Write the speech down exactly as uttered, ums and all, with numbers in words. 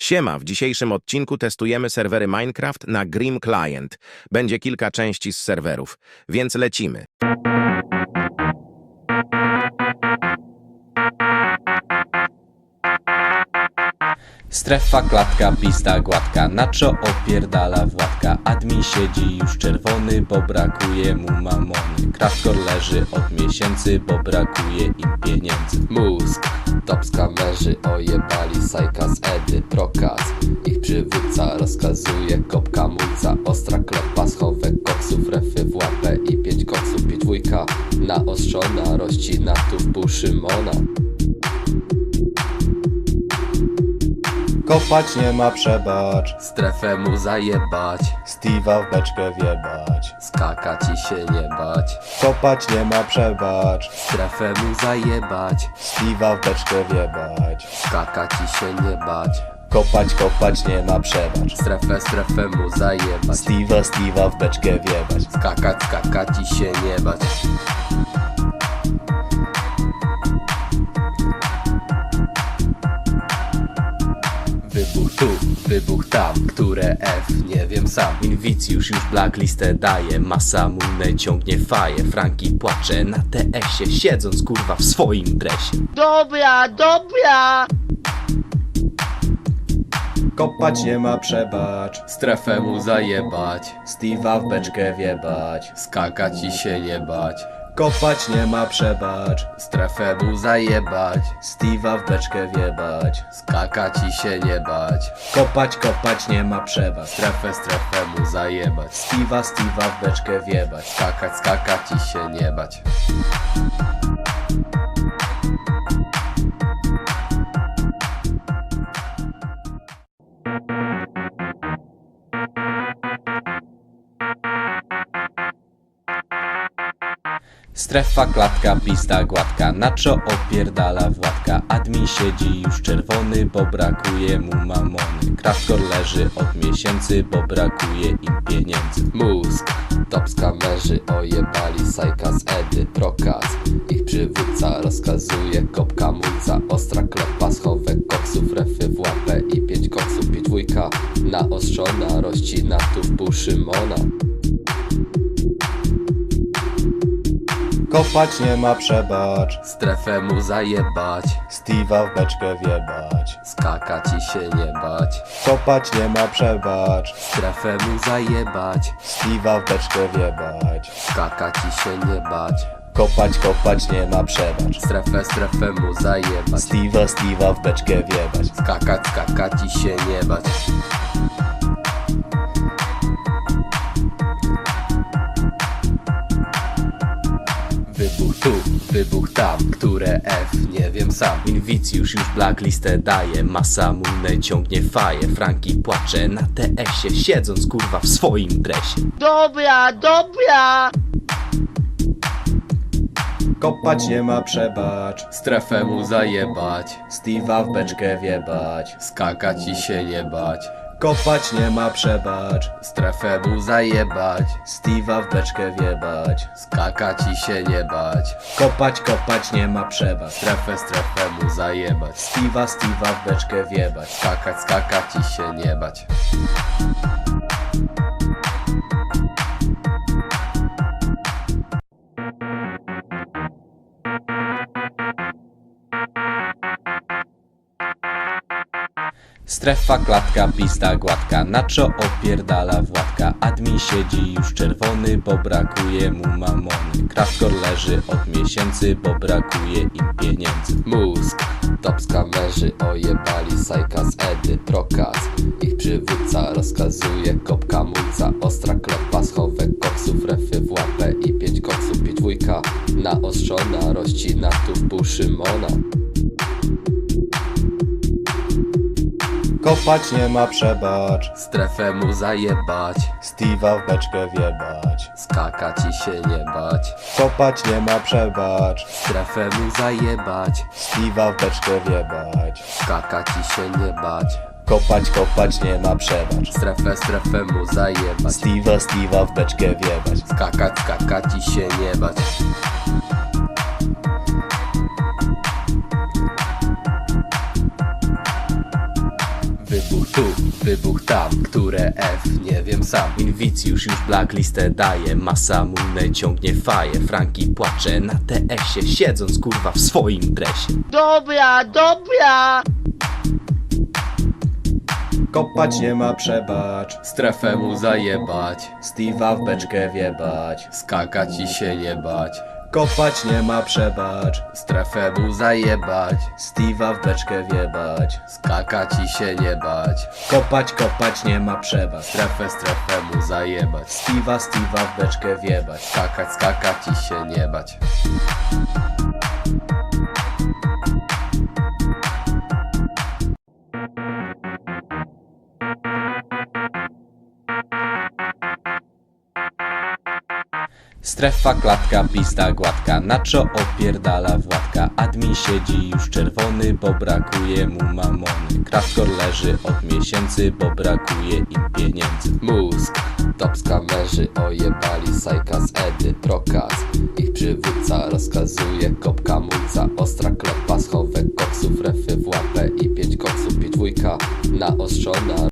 Siema, w dzisiejszym odcinku testujemy serwery Minecraft na Grim Client. Będzie kilka części z serwerów, więc lecimy. Strefa, klatka, pista, gładka, na czo opierdala Władka. Admin siedzi już czerwony, bo brakuje mu mamony. Craftkor leży od miesięcy, bo brakuje im pieniędzy. Mózg, top skamerzy ojebali Sajka z Edy, Prokaz. Ich przywódca rozkazuje kopka mulca. Ostra klepa, schowek koksów, refy w łapę i pięć koksów, pięć dwójka naostrzona, rościna tu w pół Szymona. Kopać nie ma przebacz, Strefę mu zajebać, Steve'a w beczkę wjebać. skakać i się nie bać. Kopać nie ma przebacz, Strefę mu zajebać, Steve'a w beczkę wjebać. skakać i się nie bać. Kopać, kopać nie ma przebacz, Strefę, strefę mu zajebać, Steve'a, Steve'a w beczkę wjebać. skakać, skakać i się nie bać. Wybuch tu, wybuch tam, które F, nie wiem sam. Inwicjusz już blacklistę daje, masa munę ciągnie faję. Franki płacze na T S-ie, siedząc kurwa w swoim dresie. Dobra, dobra! Kopać nie ma przebacz, Strefę mu zajebać, Steve'a w beczkę wjebać. skakać i się nie bać. Kopać nie ma przebacz, Strefę mu zajebać, Steve'a w beczkę wjebać. skakać i się nie bać. Kopać, kopać nie ma przebacz, Strefę, strefę mu zajebać, Steve'a, Steve'a w beczkę wjebać. skakać, skakać i się nie bać. Strefa, klatka, pista, gładka, na czo opierdala Władka. Admin siedzi już czerwony, bo brakuje mu mamony. Craftkor leży od miesięcy, bo brakuje im pieniędzy. Mózg, top skamerzy ojebali Sajka z Edy, Prokaz. Ich przywódca rozkazuje kopka mulca. Ostra klepa, schowek koksów, refy w łapę i pięć koksów, pięć dwójka naostrzona, rościna tu w pół Szymona. Kopać nie ma przebacz, Strefę mu zajebać, Steve'a w beczkę wjebać. skakać i się nie bać. Kopać nie ma przebacz, Strefę mu zajebać, Steve'a w beczkę wjebać. skakać i się nie bać. Kopać, kopać nie ma przebacz, Strefę, strefę mu zajebać, Steve'a, Steve'a w beczkę wjebać. skakać, skakać i się nie bać. Wybuch tu, wybuch tam, które F, nie wiem sam. Inwicjusz już blacklistę daje, masa munę ciągnie faję. Franki płacze na T S-ie, siedząc kurwa w swoim dresie. Dobra, dobra! Kopać nie ma przebacz, Strefę mu zajebać, Steve'a w beczkę wjebać. skakać i się nie bać. Kopać nie ma przebacz, Strefę mu zajebać, Steve'a w beczkę wjebać. skakać i się nie bać. Kopać, kopać nie ma przebacz, Strefę, strefę mu zajebać, Steve'a, Steve'a w beczkę wjebać. skakać, skakać i się nie bać. Strefa, klatka, pista, gładka, na czo opierdala Władka. Admin siedzi już czerwony, bo brakuje mu mamony. Craftkor leży od miesięcy, bo brakuje im pieniędzy. Mózg, top skamerzy ojebali Sajka z Edy, Prokaz. Ich przywódca rozkazuje kopka mulca. Ostra klepa, schowek koksów, refy w łapę i pięć koksów, pięć dwójka naostrzona, rościna tu w pół Szymona. Kopać nie ma przebacz, Strefę mu zajebać, Steve'a w beczkę wjebać. skakać i się nie bać. Kopać nie ma przebacz, Strefę mu zajebać, Steve'a w beczkę wjebać. skakać i się nie bać. Kopać, kopać nie ma przebacz, Strefę, strefę mu zajebać, Steve'a, Steve'a w beczkę wjebać. skakać, skakać i się nie bać. Wybuch Wybuch tu, wybuch tam, które F, nie wiem sam. Inwicjusz już blacklistę daje, masa munę ciągnie faję. Franki płacze na T S-ie, siedząc kurwa w swoim dresie. Dobra, dobra! Kopać nie ma przebacz, Strefę mu zajebać, Steve'a w beczkę wiebać. skakać i się nie bać. Kopać nie ma przebacz, Strefę mu zajebać, Steve'a w beczkę wiebać. skakać i się nie bać. Kopać, kopać nie ma przebacz, Strefę, strefę mu zajebać, Steve'a, Steve'a w beczkę wiebać. skakać, skakać i się nie bać. Strefa, klatka, pista gładka, Nacho opierdala Władka. Admin siedzi już czerwony, bo brakuje mu mamony. Kraftkor leży od miesięcy, bo brakuje im pieniędzy. Mózg, top skamerzy ojebali Sajka z Edy, Prokaz. Ich przywódca rozkazuje, kopka mulca, ostra klepa, schowek koksów, refy w łapę i pięć koksów, pięć dwójka naostrzona.